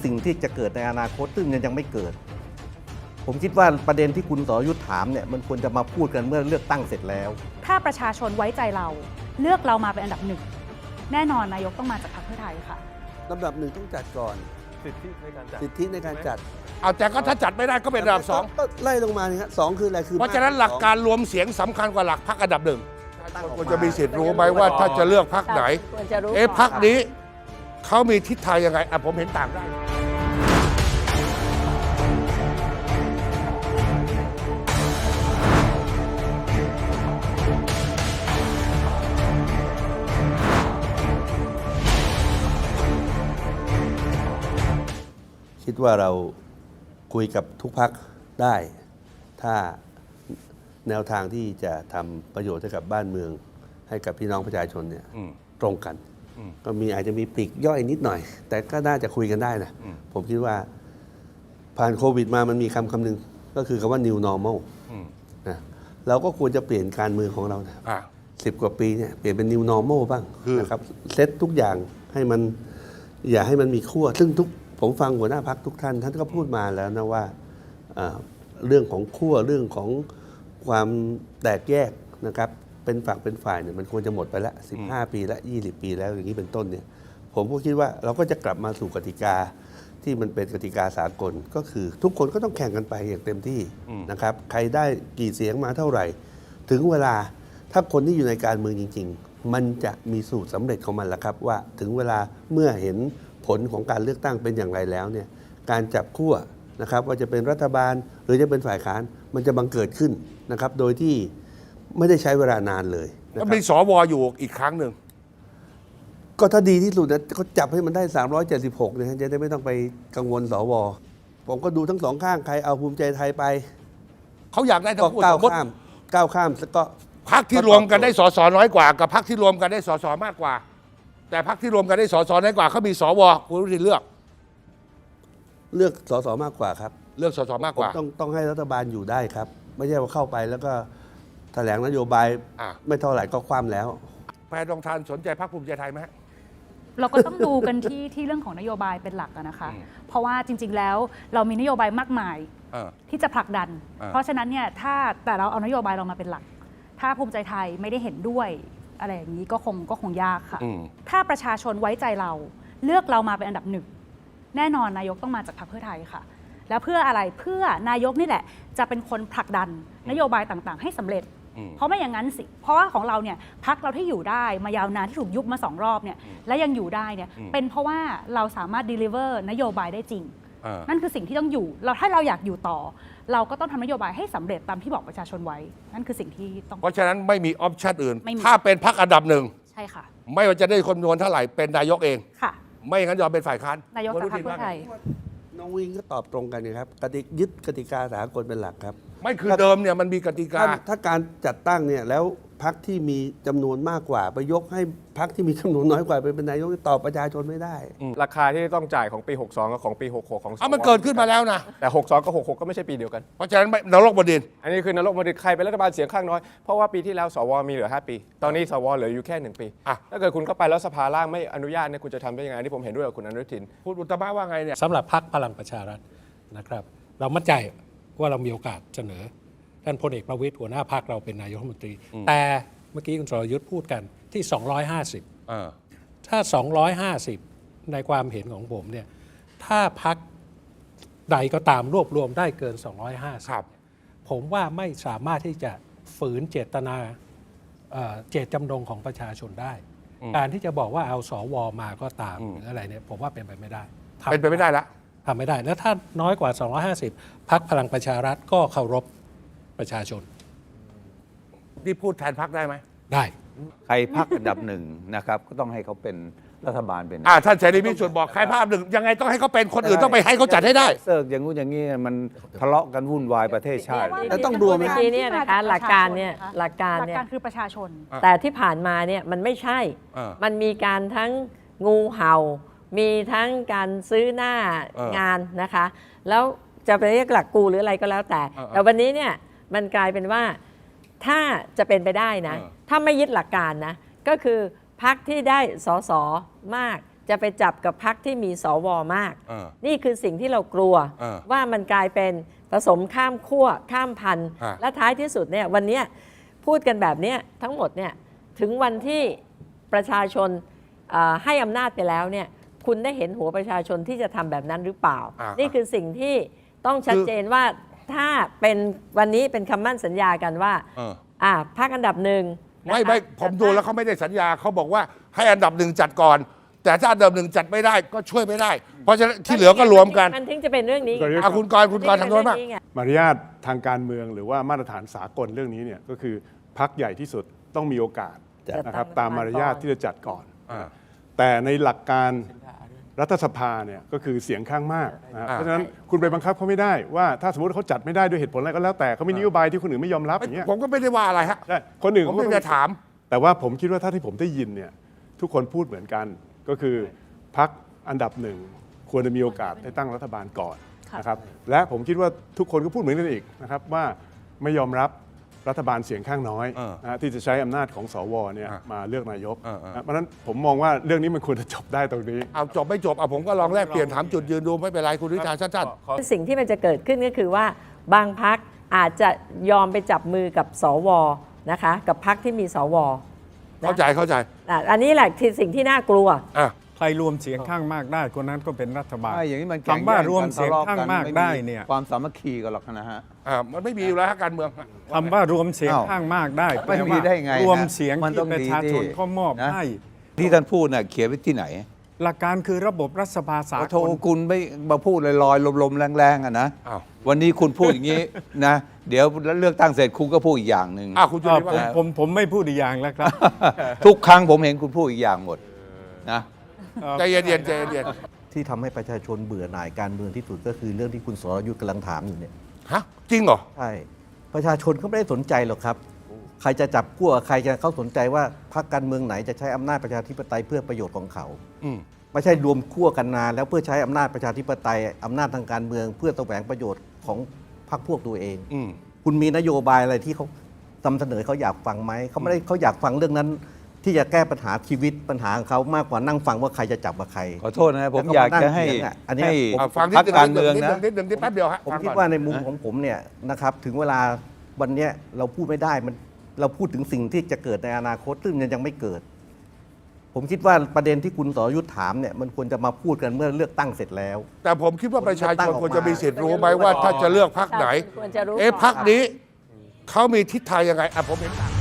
สิ่งที่จะเกิดในอนาคตซึ่งยังไม่เกิด ผมคิดว่าประเด็นที่คุณสรยุทธถามเนี่ยมันควรจะมาพูดกันเมื่อเลือกตั้งเสร็จแล้วถ้าประชาชนไว้ใจเราเลือกเรามาเป็นอันดับหนึ่งแน่นอนนายกต้องมาจากพรรคเพื่อไทยค่ะลำดับหนึ่งต้องจัดก่อนสิทธิในการจัดเอาแต่ก็ถ้าจัดไม่ได้ก็เป็นอันดับสองก็ไล่ลงมานี่ครับสองคืออะไรคือเพราะฉะนั้นหลักการรวมเสียงสำคัญกว่าหลักพรรคอันดับหนึ่งควรจะมีสิทธิ์รู้ไหมว่าถ้าจะเลือกพรรคไหนพรรคนี้เขามีทิศทางยังไงผมเห็นต่างได้คิดว่าเราคุยกับทุกพรรคได้ ถ้าแนวทางที่จะทำประโยชน์ให้กับบ้านเมืองให้กับพี่น้องประชาชนเนี่ยตรงกันก็อาจจะมีปลีกย่อยนิดหน่อย แต่ก็น่าจะคุยกันได้นะผมคิดว่าผ่านโควิดมามันมีคำหนึ่งก็คือคำว่า new normal นะเราก็ควรจะเปลี่ยนการเมืองของเรานะ10 กว่าปีเนี่ยเปลี่ยนเป็น new normal บ้างนะครับเซตทุกอย่างให้มันอย่าให้มันมีขั้วซึ่งผมฟังหัวหน้าพรรคทุกท่านก็พูดมาแล้วนะว่าเรื่องของขั้วเรื่องของความแตกแยกนะครับเป็นฝักเป็นฝ่ายเนี่ยมันควรจะหมดไปแล้ว15 ปีและ20 ปีแล้วอย่างนี้เป็นต้นเนี่ยผมก็คิดว่าเราก็จะกลับมาสู่กติกาที่มันเป็นกติกาสากลก็คือทุกคนก็ต้องแข่งกันไปอย่างเต็มที่นะครับใครได้กี่เสียงมาเท่าไหร่ถึงเวลาถ้าคนที่อยู่ในการเมืองจริงๆมันจะมีสูตรสำเร็จของมันแหละครับว่าถึงเวลาเมื่อเห็นผลของการเลือกตั้งเป็นอย่างไรแล้วเนี่ยการจับขั้วนะครับว่าจะเป็นรัฐบาลหรือจะเป็นฝ่ายค้านมันจะบังเกิดขึ้นนะครับโดยที่ไม่ได้ใช้เวลานานเลยก็มีสวอยู่อีกครั้งหนึ่งก็ถ้าดีที่สุดนะเขาจับให้มันได้376เนี่ยจะได้ไม่ต้องไปกังวลสวผมก็ดูทั้งสองข้างใครเอาภูมิใจไทยไปเขาอยากได้ทั้งคู่ก้าวข้ามแล้วก็พรรคที่รวมกันได้สสน้อยกว่ากับพรรคที่รวมกันได้สสมากกว่าแต่พรรคที่รวมกันได้สสน้อยกว่าเขามีสวคุณรู้ที่เลือกสสมากกว่าครับเลือกสสมากกว่าต้องให้รัฐบาลอยู่ได้ครับไม่ใช่ว่าเข้าไปแล้วก็แถลงนโยบายไม่เท่าไหร่ก็คว่ำแล้วแพทองทานสนใจพรรคภูมิใจไทยไหมเราก็ต้องดูกันที่เรื่องของนโยบายเป็นหลักนะคะเพราะว่าจริงๆแล้วเรามีนโยบายมากมายที่จะผลักดันเพราะฉะนั้นเนี่ยแต่เราเอานโยบายเรามาเป็นหลักถ้าภูมิใจไทยไม่ได้เห็นด้วยอะไรอย่างนี้ก็คงยากค่ะถ้าประชาชนไว้ใจเราเลือกเรามาเป็นอันดับหนึ่งแน่นอนนายกต้องมาจากพรรคเพื่อไทยค่ะแล้วเพื่ออะไรเพื่อนายกนี่แหละจะเป็นคนผลักดันนโยบายต่างๆให้สำเร็จเพราะไม่อย่างนั้นสิเพราะว่าของเราเนี่ยพรรคเราที่อยู่ได้มายาวนานที่ถูกยุบมา2 รอบเนี่ยและยังอยู่ได้เนี่ยเป็นเพราะว่าเราสามารถ deliver นโยบายได้จริงนั่นคือสิ่งที่ต้องอยู่ถ้าเราอยากอยู่ต่อเราก็ต้องทำนโยบายให้สำเร็จตามที่บอกประชาชนไว้นั่นคือสิ่งที่ต้องเพราะฉะนั้นไม่มีออปชั่นอื่นถ้าเป็นพรรคอันดับหนึ่งใช่ค่ะไม่ว่าจะได้คนจำนวนเท่าไหร่เป็นนายกเองค่ะไม่งั้นยอมเป็นฝ่ายค้านนายกจากพรรคเพื่อไทยน้องวิงก็ตอบตรงกันนะครับยึดกติกาสากลเป็นหลักครับไม่คือเดิมเนี่ยมันมีกติกาถ้าการจัดตั้งเนี่ยแล้วพรรคที่มีจำนวนมากกว่าไปยกให้พรรคที่มีจำนวนน้อยกว่าเป็นนายกตอบประชาชนไม่ได้ราคาที่ต้องจ่ายของปี62กับของปี66ของมันเกิดขึ้นมาแล้วนะแต่62กับ66ก็ไม่ใช่ปีเดียวกันเพราะฉะนั้นนรกบดินอันนี้คือนรกบดินใครเป็นรัฐบาลเสียงข้างน้อยเพราะว่าปีที่แล้วสวมีเหลือ5 ปีตอนนี้สวเหลืออยู่แค่1 ปีถ้าเกิดคุณเข้าไปแล้วสภาล่างไม่อนุญาตเนี่ยคุณจะทำได้ยังไงที่ผมเห็นด้วยกับคุณอนุทินคุณอุตมะว่าไงเนี่ยสำหรับพรรคพลังประชารัฐนะครับเรามั่นใจว่าเรามีโอกาสเสนอท่านพลเอกประวิตรหัวหน้าพรรคเราเป็นนายกรัฐมนตรีแต่เมื่อกี้คุณสรยุทธ์พูดกันที่250ถ้า250ในความเห็นของผมเนี่ยถ้าพรรคใดก็ตามรวบรวมได้เกิน250ผมว่าไม่สามารถที่จะฝืนเจตนาเจตจำนงของประชาชนได้การที่จะบอกว่าเอาสวมาก็ตามหรืออะไรเนี่ยผมว่าเป็นไปไม่ได้เป็นไปไม่ได้ละทำไม่ได้แล้วถ้าน้อยกว่า250พรรคพลังประชารัฐก็เคารพประชาชนที่พูดแทนพรรคได้ไหมได้ใครพรรคอันดับหนึ่งนะครับก็ต้องให้เขาเป็นรัฐบาลเป็นท่านเสรีพิสุทธิ์บอกใครพรรคหนึ่งยังไงต้องให้เขาเป็นคนอื่นต้องไปให้เขาจัดให้ได้เสิร์ฟอย่างงู้นอย่างนี้มันทะเลาะกันวุ่นวายประเทศชาติแล้วต้องดูไหมเนี่ยนะคะหลักการเนี่ยหลักการคือประชาชนแต่ที่ผ่านมาเนี่ยมันไม่ใช่มันมีการทั้งงูเห่ามีทั้งการซื้อหน้างานนะคะแล้วจะไปเรียกหลักกูหรืออะไรก็แล้วแต่วันนี้เนี่ยมันกลายเป็นว่าถ้าจะเป็นไปได้นะถ้าไม่ยึดหลักการนะก็คือพรรคที่ได้สสมากจะไปจับกับพรรคที่มีสวมาก นี่คือสิ่งที่เรากลัวว่ามันกลายเป็นผสมข้ามขั้วข้ามพันธุ์และท้ายที่สุดเนี่ยวันนี้พูดกันแบบนี้ทั้งหมดเนี่ยถึงวันที่ประชาชนให้อำนาจไปแล้วเนี่ยคุณได้เห็นหัวประชาชนที่จะทำแบบนั้นหรือเปล่า นี่คือสิ่งที่ต้องชัดเจนว่าถ้าเป็นวันนี้เป็นคำมั่นสัญญากันว่าพรรคอันดับหนึ่งไม่ผมดูแล้วเขาไม่ได้สัญญาเขาบอกว่าให้อันดับหนึ่งจัดก่อน แต่ถ้าอันดับหนึ่งจัดไม่ได้ก็ช่วยไม่ได้ เพราะฉะนั้นที่เหลือก็รวมกันมันถึงจะเป็นเรื่องนี้คุณกรทางโน้นมากมารยาททางการเมืองหรือว่ามาตรฐานสากลเรื่องนี้เนี่ยก็คือพรรคใหญ่ที่สุดต้องมีโอกาสนะครับตามมารยาทที่จะจัดก่อน แต่ในหลักการรัฐสภาเนี่ยก็คือเสียงข้างมากนะเพราะฉะนั้นคุณไปบังคับเขาไม่ได้ว่าถ้าสมมติเขาจัดไม่ได้ด้วยเหตุผลอะไรก็แล้วแต่เขามีนโยบายที่คนอื่นไม่ยอมรับอย่างเงี้ยผมก็ไม่ได้ว่าอะไรฮะใช่คนอื่นผมเขาก็ไม่ได้ถามแต่ว่าผมคิดว่าถ้าที่ผมได้ยินเนี่ยทุกคนพูดเหมือนกันก็คือพรรคอันดับหนึ่งควรจะมีโอกาสได้ตั้งรัฐบาลก่อนนะครับและผมคิดว่าทุกคนก็พูดเหมือนกันอีกนะครับว่าไม่ยอมรับรัฐบาลเสียงข้างน้อยนะที่จะใช้อำนาจของสวเนี่ยมาเลือกนายกเพราะฉะนั้นผมมองว่าเรื่องนี้มันควรจะจบได้ตรงนี้เอาจบไม่จบผมก็ลองแลกเปลี่ยนถามจุดยืนดูไม่เป็นไรคุณวิชาสั้นสิ่งที่มันจะเกิดขึ้นก็คือว่าบางพรรคอาจจะยอมไปจับมือกับสวนะคะกับพรรคที่มีสวๆเข้าใจอันนี้แหละที่สิ่งที่น่ากลัวใครรวมเสียงข้างมากได้คนนั้นก็เป็นรัฐบาลอย่างนี้มันคำว่ารวมเสียงข้างมากได้เนี่ยความสามัคคีกันหรอกนะฮะมันไม่มีอยู่แล้วฮะการเมืองคำว่ารวมเสียงข้างมากได้ไม่มีได้ไงรวมเสียงมันต้องที่ประชาชนดีเขามอบนะให้ที่ท่านพูดน่ะเขียนไว้ที่ไหนหลักการคือระบบรัฐสภาสาโทกลคุณไม่มาพูดลอยๆลมๆแรงๆอะนะอ้าววันนี้คุณพูดอย่างนี้นะ เดี๋ยวเลือกตั้งเสร็จคุณก็พูดอีกอย่างหนึ่งคุณจุลินว่าผมไม่พูดอีกอย่างแล้วครับทุกครั้งผมเห็นคุณพูดอีกอย่างหมดนะใจเย็นๆใจเย็นที่ทำให้ประชาชนเบื่อหน่ายการเมืองที่สุดก็คือเรื่องที่คุณสรยุทธ์กำลังถามอยู่เนี่ยๆฮะจริงเหรอใช่ประชาชนเขาไม่ได้สนใจหรอกครับ ใครจะจับขั้วใครจะเขาสนใจว่าพรรคการเมืองไหนจะใช้อำนาจประชาธิปไตยเพื่อประโยชน์ของเขาอืมไม่ใช่รวมขั้วกันนานแล้วเพื่อใช้อำนาจประชาธิปไตยอำนาจทางการเมือง เพื่อแสวงประโยชน์ของพรรคพวกตัวเองอืมคุณมีนโยบายอะไรที่เขานำเสนอเขาอยากฟังไหมเขาไม่ได้เขาอยากฟังเรื่องนั้น ที่จะแก้ปัญหาชีวิตปัญหาของเขามากกว่านั่งฟังว่าใครจะจับกับใครขอโทษนะผมอยากจะให้อันเนี้ยให้ฟังพรรคการเมืองนะนิดหนึ่งแป๊บเดียวฮะผมฟังคิดก่อนว่าในมุมของผมเนี่ยนะครับถึงเวลาวันเนี้ยเราพูดไม่ได้มันเราพูดถึงสิ่งที่จะเกิดในอนาคตซึ่งมันยังไม่เกิด ผมคิดว่าประเด็นที่คุณสรยุทธ์ถามเนี่ยมันควรจะมาพูดกันเมื่อเลือกตั้งเสร็จแล้วแต่ผมคิดว่าประชาชนควรจะมีสิทธิ์รู้ไหมว่าถ้าจะเลือกพรรคไหนควรจะรู้พรรคนี้เขามีทิศทางยังไงผมเห็น